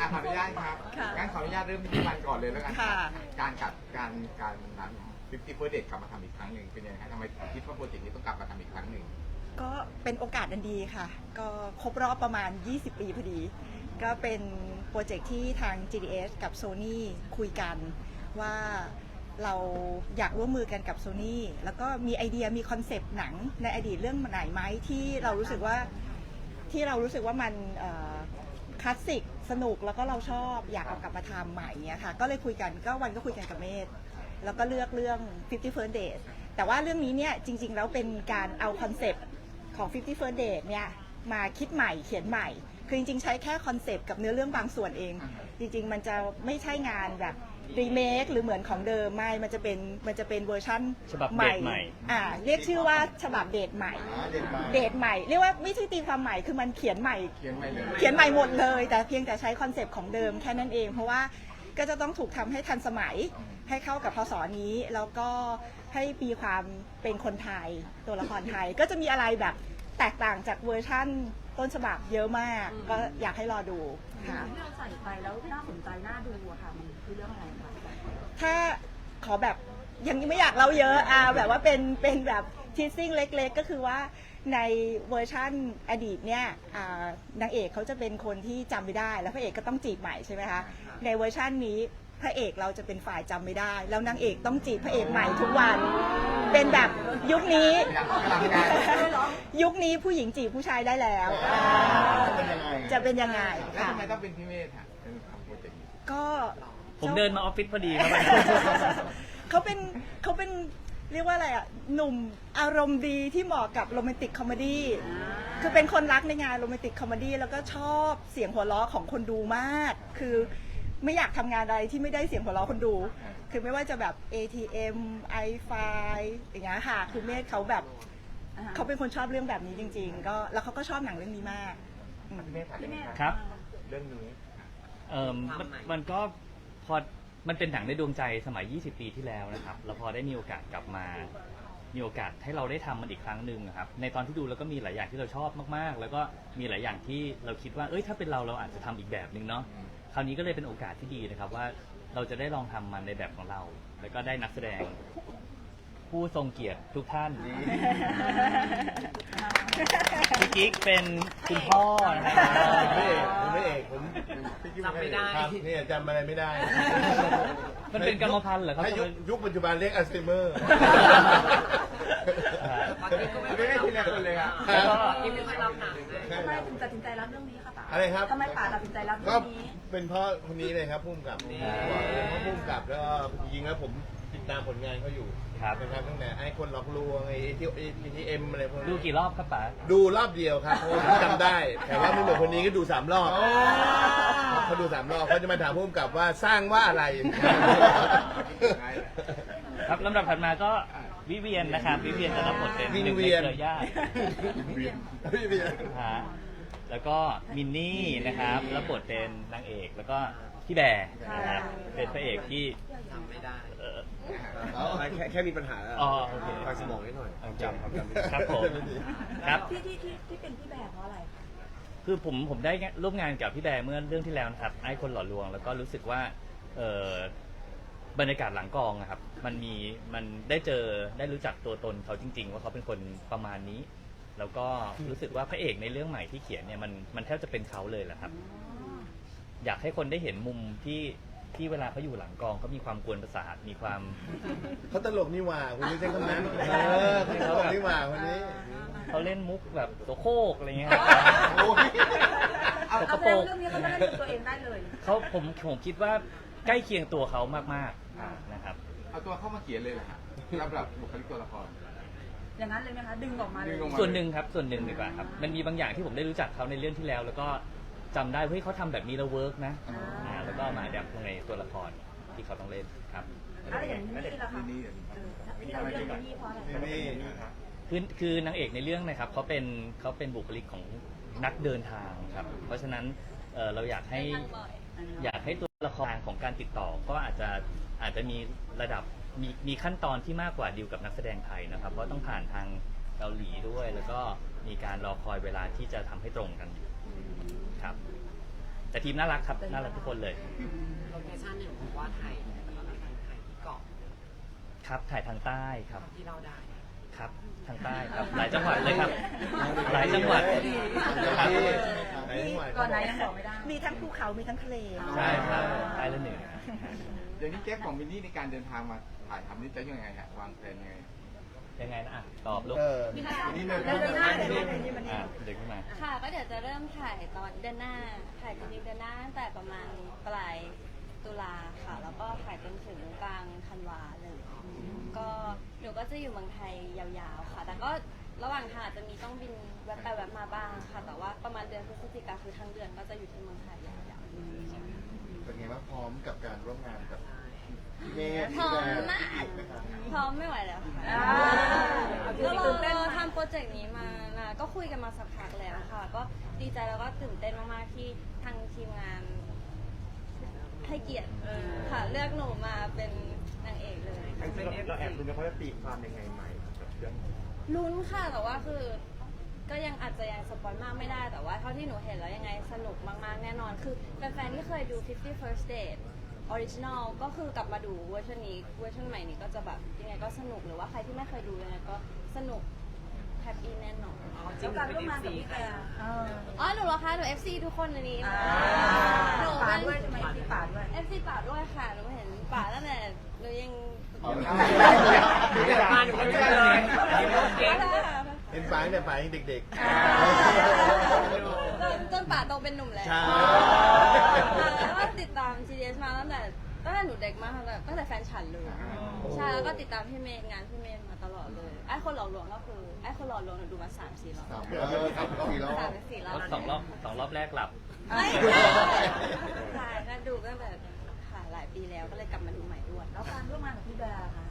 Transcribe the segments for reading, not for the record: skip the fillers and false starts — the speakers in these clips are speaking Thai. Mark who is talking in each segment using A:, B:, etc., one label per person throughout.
A: ขออนุญาตครับงั้นขออนุญาตเริ่มที่วันก่อนเลยแล้วกันครับการนั้น50 First Date กลับมาทำอีกครั้งหนึ่งเป็นยังไงครับทำไมคิดว่าโปรเจกต์นี้ต้องกลับมาทำอีกครั้งหนึ่ง
B: ก็เป็นโอกาสอันดีค่ะก็ครบรอบประมาณ20 ปีพอดีก็เป็นโปรเจกต์ที่ทาง GDS กับ Sony คุยกันว่าเราอยากร่วมมือกันกับ Sony แล้วก็มีไอเดียมีคอนเซปต์หนังในอดีตเรื่องไหนไหมที่เรารู้สึกว่ามันคลาสสิกสนุกแล้วก็เราชอบอยากเอากลับมาทำใหม่เนี่ยค่ะก็เลยคุยกันก็คุยกันกับเมธแล้วก็เลือกเรื่อง50 First Date แต่ว่าเรื่องนี้เนี่ยจริงๆแล้วเป็นการเอาคอนเซปต์ของ50 First Date เนี่ยมาคิดใหม่เขียนใหม่คือจริงๆใช้แค่คอนเซปต์กับเนื้อเรื่องบางส่วนเองจริงๆมันจะไม่ใช่งานแบบรีเมคหรือเหมือนของเดิมไม่มันจะเป็นเวอร์ชั่นใหม่เรียกชื่อว่าฉบับเดทใหม่เดทใหม่เรียกว่าไม่ใช่ตีความใหม่คือมันเขียนใหม่หมดเลยแต่เพียงแต่ใช้คอนเซปต์ของเดิมแค่นั้นเองเพราะว่าก็จะต้องถูกทำให้ทันสมัยให้เข้ากับพศนี้แล้วก็ให้มีความเป็นคนไทยตัวละครไทยก็จะมีอะไรแบบแตกต่างจากเวอร์ชั่นต้นฉบับเยอะมากก็อยากให้รอดูค่ะ
C: ที่เราใส่ไปแล้วน่าสนใจน่าดูอะค่ะมันคือเรื่องอะไรคะ
B: ถ้าขอแบบยังไม่อยากเล่าเยอะแบบว่าเป็นแบบทีซิ่งเล็กๆก็คือว่าในเวอร์ชั่นอดีตเนี่ยนางเอกเขาจะเป็นคนที่จำไม่ได้แล้วพระเอกก็ต้องจีบใหม่ใช่ไหมคะในเวอร์ชันนี้พระเอกเราจะเป็นฝ่ายจำไม่ได้แล้วนางเอกต้องจีบพระเอกใหม่ทุกวันเป็นแบบยุคนี้ผู้หญิงจีบผู้ชายได้แล้วจะเป็นยังไง
A: แล้วทำไมต้องเป็นพี่เมธเป็นทำโปรเจกต์นี้
B: ก็
D: ผมเดินมาออฟฟิศพอดีครับ
B: เขาเป็นเรียกว่าอะไรอ่ะหนุ่มอารมณ์ดีที่เหมาะกับโรแมนติกคอมเมดี้คือเป็นคนรักในงานโรแมนติกคอมเมดี้แล้วก็ชอบเสียงหัวเราะของคนดูมากคือไม่อยากทำงานอะไรที่ไม่ได้เสียงหัวเราะคนดูคือไม่ว่าจะแบบ ATM iFi อย่างเงี้ยค่ะคือเมธเขาแบบเขาเป็นคนชอบเรื่องแบบนี้จริงๆก็แล้วเขาก็ชอบหนังเรื่องนี้มาก
A: พี่เมธ
D: ครับ
A: เรื่องนี้
D: มันก็พอมันเป็นหนังในดวงใจสมัย20 ปีที่แล้วนะครับแล้วพอได้มีโอกาสกลับมามีโอกาสให้เราได้ทำมันอีกครั้งหนึ่งครับในตอนที่ดูแล้วก็มีหลายอย่างที่เราชอบมากๆแล้วก็มีหลายอย่างที่เราคิดว่าถ้าเป็นเราอาจจะทำอีกแบบหนึ่งเนาะคราวนี้ก็เลยเป็นโอกาสที่ดีนะครับว่าเราจะได้ลองทำมันในแบบของเราแล้วก็ได้นักแสดงผู้ทรงเกียรติทุกท่านพี่กิ๊กเป็นคุณพ่อนะครับ
E: ไม่เอกผม
A: จำไม่ได้
E: เนี่ยจำอะไรไม่ได้
D: มันเป็นกรรมพันธุ์เหรอครับ
E: ยุคปัจจุบันเรียกอัลไซเมอร์
A: ไม่ได้ทีละคนเลยครับ
C: กินไม่รับหนังทำไมถึงตัดสินใจรับเรื่องนี้คะป๋า
E: อะไรครับ
C: ทำไมป๋าตัดสินใจรับเรื่องนี้
E: เป็นเพราะคนนี้เลยครับพุ่มกับเพราะพุ่มกับแล้วยิงแล้วผมติดตามผลงานเขาอยู่นะครับตั้งแต่ไอ้คนหลอกลวงไอ้ที่เอ็มอะไรพวกนี้
D: ดูกี่รอบครับป๋า
E: ดูรอบเดียวครับจำได้แต่ว่าไม่เหมือนคนนี้ก็ดู3 รอบเขาดู3 รอบเขาจะมาถามพุ่มกับว่าสร้างว่าอะไร
D: ครับลำดับถัดมาก็วิเวียนนะครับวิเวียนจะรับบทเป็นหนึ่งในเครือญาติแล้วก็มินนี่นะครับรับบทเป็นนางเอกแล้วก็พี่แบร์นะครับเป็นพระเอกที่
A: จำไม่ได้
E: แค่มีปัญหาฟังสมองนิดหน่อยจำ
D: ครับผมครับ
C: ที่เป็นพี่แบร์เพราะอะไร
D: คือผมได้ร่วมงานกับพี่แบร์เมื่อเรื่องที่แล้วนะครับไอ้คนหล่อลวงแล้วก็รู้สึกว่าบรรยากาศหลังกองนะครับมันได้รู้จักตัวตนเขาจริงๆว่าเขาเป็นคนประมาณนี้แล้วก็รู้สึกว่าพระเอกในเรื่องใหม่ที่เขียนเนี่ยมันแทบจะเป็นเขาเลยแหละครับอยากให้คนได้เห็นมุมที่เวลาเขาอยู่หลังกองเขามีความกวนประสาทมีความ
E: เขาตลกนี่หว่าคุณไม่ใช่คนนั้นเขาตลกนี่หว่าคนนี้
D: เขาเล่นมุกแบบตัวโคกอะไรเงี้ย
C: เอาเรื่องนี้เขาไม่ได้ดูตัวเองได้เลย
D: ผมคิดว่าใกล้เคียงตัวเขามากๆนะครับ
A: เอาตัวเข้ามาเขียนเลยเหรอฮะรับบุคลิกตัวละคร
C: อย่างนั้นเลยไหมคะดึงออกมาเลย
D: ส่วนหนึ่งครับส่วนหนึ่งดีกว่าครับมันมีบางอย่างที่ผมได้รู้จักเขาในเรื่องที่แล้วแล้วก็จำได้เฮ้ยเขาทำแบบนี้แล้วเวิร์กนะแล้วก็มาแดปในตัวละครที่เขาต้องเล่นครับ
C: อะไรอย่างนี้ล่ะคะที่เราเลือกนี่เพราะอะไร
D: คือนางเอกในเรื่องนะครับเขาเป็นบุคลิกของนักเดินทางครับเพราะฉะนั้นเราอยากให้ตัวละครของการติดต่อก็อาจจะมีระดับมีขั้นตอนที่มากกว่าดีลกับนักแสดงไทยนะครับเพราะต้องผ่านทางเกาหลีด้วยแล้วก็มีการรอคอยเวลาที่จะทำให้ตรงกันครับแแต่ทีมน่ารักครับน่ารักทุกคนเลย
C: โลเคชั่นเนี่ยผมว่าถ่ายที่เกาะ
D: ครับถ่ายทางใต้ครับ
C: ที่เราได้
D: ครับทางใต้ครับหลายจังหวัดเลยครับ หลายจังหวัด
C: ก่อนไหนยังบอกไม่ได้
B: มีทั้งภูเขามีทั้งทะเล
D: ใช่ครับใต้และเหนือ
A: เดี๋ยวนี้แก๊ปของมินนี่ในการเดินทางมาถ่ายทำนี่จะยังไงฮะวางแผนยังไง
D: ยังไงนะอ่ะตอบลูก
A: มินนี่เลย
B: เดินหน้าเลยมัน
D: อ่ะเด็กขึ้นมา
F: ค่ะก็เดี๋ยวจะเริ่มถ่ายตอนเดือนหน้า ถ่ายจริงๆเดือนหน้าตั้งแต่ประมาณปลายตุลาค่ะ แล้วก็ถ่ายจนถึงกลางธันวาเลย ก็หนูก็จะอยู่เมืองไทยยาวๆค่ะ แต่ก็ระหว่างทางอาจจะมีต้องบินแวะไปแวะมาบ้างค่ะ แต่ว่าประมาณเดือนพฤศจิกาคือทั้งเดือนก็จะอยู่ที่เมืองไทยยาวๆ
E: เป็นไงบ้างพร้อมกับการร่วมงานกับเมย์
F: พร้อมมาก
E: ไหมครับ
F: พร้อมไม่ไหวแล้วค่ะ ก็เราทำโปรเจกต์นี้มาก็คุยกันมาสักพักแล้วค่ะ ก็ดีใจแล้วก็ตื่นเต้นมากๆที่ทางทีมงานให้เกียรติค่ะเลือกหนูมาเป็นนางเอกเลย
E: เราแอบดูนะเขาจะตีความยังไงใหม่กับเรื่อง
F: ลุ้นค่ะแต่ว่าคือ ก็ยังอาจจะยังสปอยมากไม่ได้แต่ว่าเท่าที่หนูเห็นแล้วยังไงสนุกมากๆแน่นอนคือแฟนๆที่เคยดู 50 First Date Original ก็คือกลับมาดูเวอร์ชันนี้เวอร์ชันใหม่นี้ก็จะแบบยังไงก็สนุกหรือว่าใครที่ไม่เคยดูยังไงก็สนุกแฮปปี้แน่นอน
C: จริงการร่วมงานกับพี่แก
F: อ๋อหนูเหรอคะหนู FC ทุกคนในนี้หนู
C: ป่า
F: เป็น
C: ด้วยใช่ไหมพี่ป่าด้วย
F: FC ป่าด้วยค่ะหนูเห็นป่าตั้งแต่หนูยัง
C: มาหนูก็เจอเลยเก่ง
E: เป็นฟ้าเนี่ยฟ้ายังเด็ก
F: จนป่าโตเป็นหนุ่มแล้ว
E: ใช่
F: แล้วก็ติดตาม GDS มาตั้งแต่หนูเด็กมากตั้งแต่แฟนฉันเลยใช่แล้วก็ติดตามพี่เมย์งานพี่เมย์มาตลอดเลยไอ้คนหล่อลวงก็คือไอ้คนหล่อลวงหนูดูมา3-4 รอบ
E: ๆ4 รอบ
F: 3-4 รอบ
D: สองรอบแรกหลับ
F: ไม่ใช่ก็ดูตั้งแต่ค่ะหลายปีแล้วก็เลยกลับมาดูใหม่ด้วย
C: แล้วการร่วมงานกับพี่แบร์ค่ะ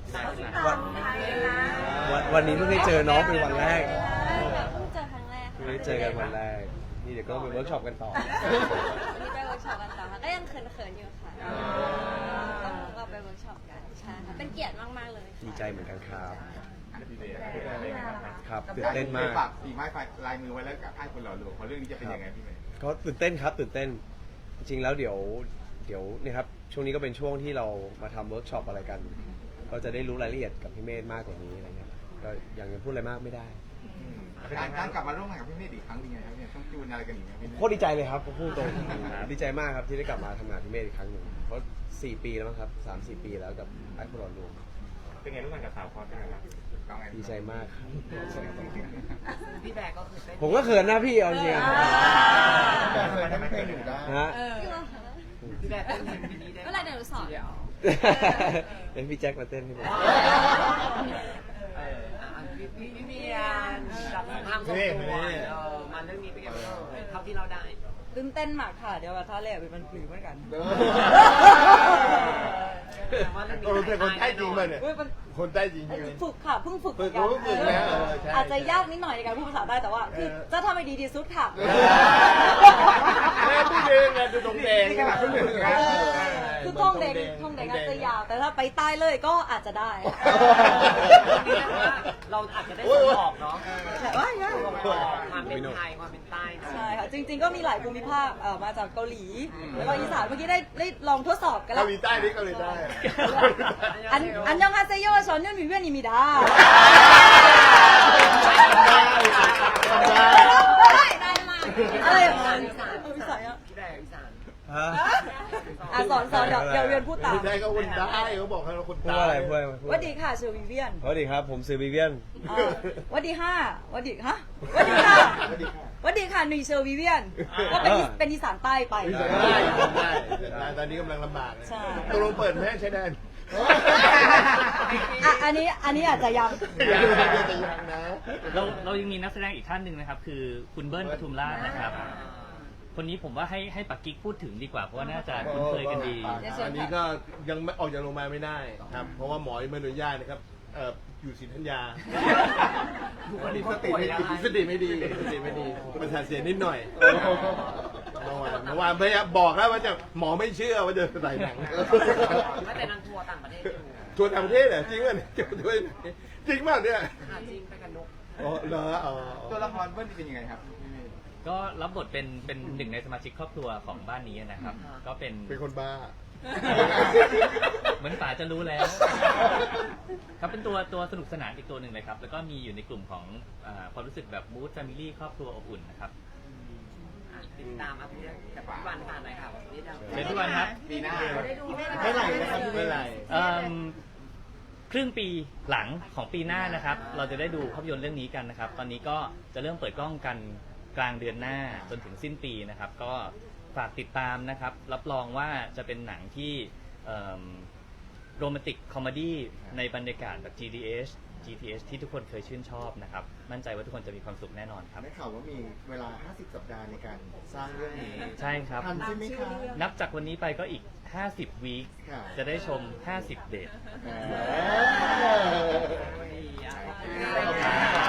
G: วันนี้เพิ่งได้เจอน้องเป็นวันแรก
F: เพิ่งเจอครั้งแรก
G: เพิ่งได้เจอกันวันแรก นี่เดี๋ยวก็ไปเวิร์กช็อปกันต่อ
F: วันนี้ไปเวิร์กช็อปกันต่อค่ะก็ยังเขินๆอยู่ค่ะต้องเราไปเวิร์กช็อปกันใช่ค่ะเป็นเกียรติมากๆเลย
G: ดีใจเหมือนกันครับ
A: พี่เบย์
G: ครับตื่นเต้นมาก
A: ฝากฝีไม้ลายมือไว้แล้วกับไอ้คนหล่อหลวงเพราะเรื่องนี้จะเป็นยังไงพี่เบย์
G: ก็ตื่นเต้นครับตื่นเต้น จริงๆแล้วเดี๋ยวนี่ครับช่วงนี้ก็เป็นช่วงที่เรามาทำเวิร์กช็อปอะไรกัน ก็จะได้รู้รายละเอียดกับพี่เมธมากกว่านี้อะไรเงี้ยก็ยังพูดอะไรมากไม่ได้
A: การกลับมาร่วมงานกับพี่เมธอีกครั้งเป็นยังไงครับเนี่ยต้องจูนอะไรกันอีกไหมพี่เมธ
G: โคตรดีใจเลยครับพูดตรงดีใจมากครับที่ได้กลับมาทำงานพี่เมธอีกครั้งหนึ่งเพราะ4 ปีแล้วมั้งครับ3-4 ปีแล้วกับไอ้คนหล่อลวง
A: เป็นไงร่วมงานกับสาวพอสเป็นไงครับ
G: ดีใจมากครับ
C: พี่แบร์ก็คือเป็น
G: ผมก็เขินนะพี่เอาจริงๆ
E: แต่เคยทำเพลงอยู่ได้
G: ฮะ
C: พี่แบร์เต้นเพลงนี้ได้
F: เมื่อไหรเดี๋ยวหนูสอน
G: เป็นพี่แจ็คมาเต้นให้ผม
C: พี่เมียนจากทางส่งตัวมาเรื่องนี้เป็นไงบ้างเท่าที่เราได้
H: ตื่นเต้นมากค่ะ เดี๋ยวว่าท่าแรกเป็นผีเหมือนกัน
E: เราเป็นคนใต้จริงป่ะเนี่ย
H: เว้ยมัน
E: คนใต้จริงใช่ไหม
H: ฝึกค่ะเพิ่งฝึก
E: ฝึก
H: เหมือน
E: เพิ่งฝึกแล้วใช่
H: อาจจะยากนิดหน่อยในการพูดภาษาใต้แต่ว่าคือจะทำให้ดีที่สุดค่ะ
E: แม่พูดเองไงดูตรงแดง
A: นี่ขนาดเพิ่งหนึ่งนะ
H: คือท่องแดงอาจจะยาวแต่ถ้าไปใต้เลยก็อาจจะได้
C: เราอาจจะได้ส่งออกเนาะ
H: แต่ว่า
C: ความเป็นไทยความเป็นใต้
H: ใช่ค่ะจริง ๆ ก็มีหลายภูมิภาคมาจากเกาหลี แล้วก็อีสานเมื่อกี้ได้ลองทดสอบกันแล้
E: เกาว หลีใต้นี่เกาหลีใต้
H: อันยองฮาเซโยชอนยุ่นวิเวียนอิมิดา
F: ได้มาก
H: อะไรอ่ะ
C: อีสาน
H: อีสานอ่ะ
C: พี่แบร์อีสาน
G: ฮะ
H: สอนเดี๋ยวเรียนพูดตาม
E: คนใต้ก็คนใต้เขาบอกให้เราคน
G: พูด
E: ใต้
G: ว่าอะไรพูดอะไร
H: สวัสดีค่ะชื่อวิเวียน
G: สวัสดีครับผมซื้อวิเวียน
H: สวัสดีค่ะสวัสดีฮะสวัสดีค่ะสวัสดีค่ะหนุ่ยเชอร์วิเวียน ก็เป็นอีสานใต้ไป
E: ได้ตอนนี้กำลังลำบาก
H: ใช่
E: ตกลงเปิดแม่ใช้แดน
H: อันนี้อาจจะยัง
E: ยังนะ
D: เรายังมีนักแสดงอีกท่านหนึ่งนะครับ คือคุณเบิ้ลปทุมราชนะครับ คนนี้ผมว่าให้ปักกิ๊กพูดถึงดีกว่าเพราะว่าน่าจะคุ้นเคยกันดี
E: อันนี้ก็ยังไม่ออกจากโรงพยาบาลไม่ได้ครับ เพราะว่าหมอยังไม่อนุญาตนะครับอยู่ศรีธัญญาสติไม่ดีประสาทเสียนิดหน่อยเมื่อวานพยายามบอกแล้วว่าจะหมอไม่เชื่อว่าจะใส่หนัง
C: ไม่แต่นางทัวร์ต่างประเทศอยู่
E: ชวนต่างประเทศเหรอจริงป่ะเนี่ยด้วยจริงป่ะเนี่ย
C: จริงไปกับนก
E: อ๋อเหรออ๋อ
A: ตัวละครเบิ้ลเป็นยังไงครับพี่เมธ
D: ก็รับบทเป็นหนึ่งในสมาชิกครอบครัวของบ้านนี้นะครับ ก็เป็น
E: เป็นคนบ้า
D: เหมือนป๋าจะรู้แล้ว ครับเป็นตัวสนุกสนานอีกตัวหนึ่งเลยครับ แล้วก็มีอยู่ในกลุ่มของความรู้สึกแบบมูดแฟมิลี่ครอบครัวอบอุ่นนะครับ
C: ติดตามพี่กับพี่วันผ่านหน่อยค่ะนี่เรา
D: เป็นทุกวันครับ
A: ปีหน้า
E: ไม่ไหลนะครับไม่ไหล
D: ครึ่งปีหลังของปีหน้านะครับ เราจะได้ดูภาพยนตร์เรื่องนี้กันนะครับ ตอนนี้ก็จะเริ่มเปิดกล้องกันกลางเดือนหน้าจนถึงสิ้นปีนะครับ ก็ฝากติดตามนะครับ รับรองว่าจะเป็นหนังที่โรแมนติกคอมเมดี้ในบรรยากาศแบบ GTH ที่ทุกคนเคยชื่นชอบนะครับ มั่นใจว่าทุกคนจะมีความสุขแน่นอนครับ
E: ได้ข่าวว่ามีเวลา 50 สัปดาห์ในการสร้างเรื่องนี้
D: ใช่ครับ
E: ทันใช่ไหมคะ
D: นับจากวันนี้ไปก็อีก 50 วีค
E: ค่ะ
D: จะได้ชม 50 เดท
E: เออ
C: ดีอ่ะ
E: ขอบคุณครับ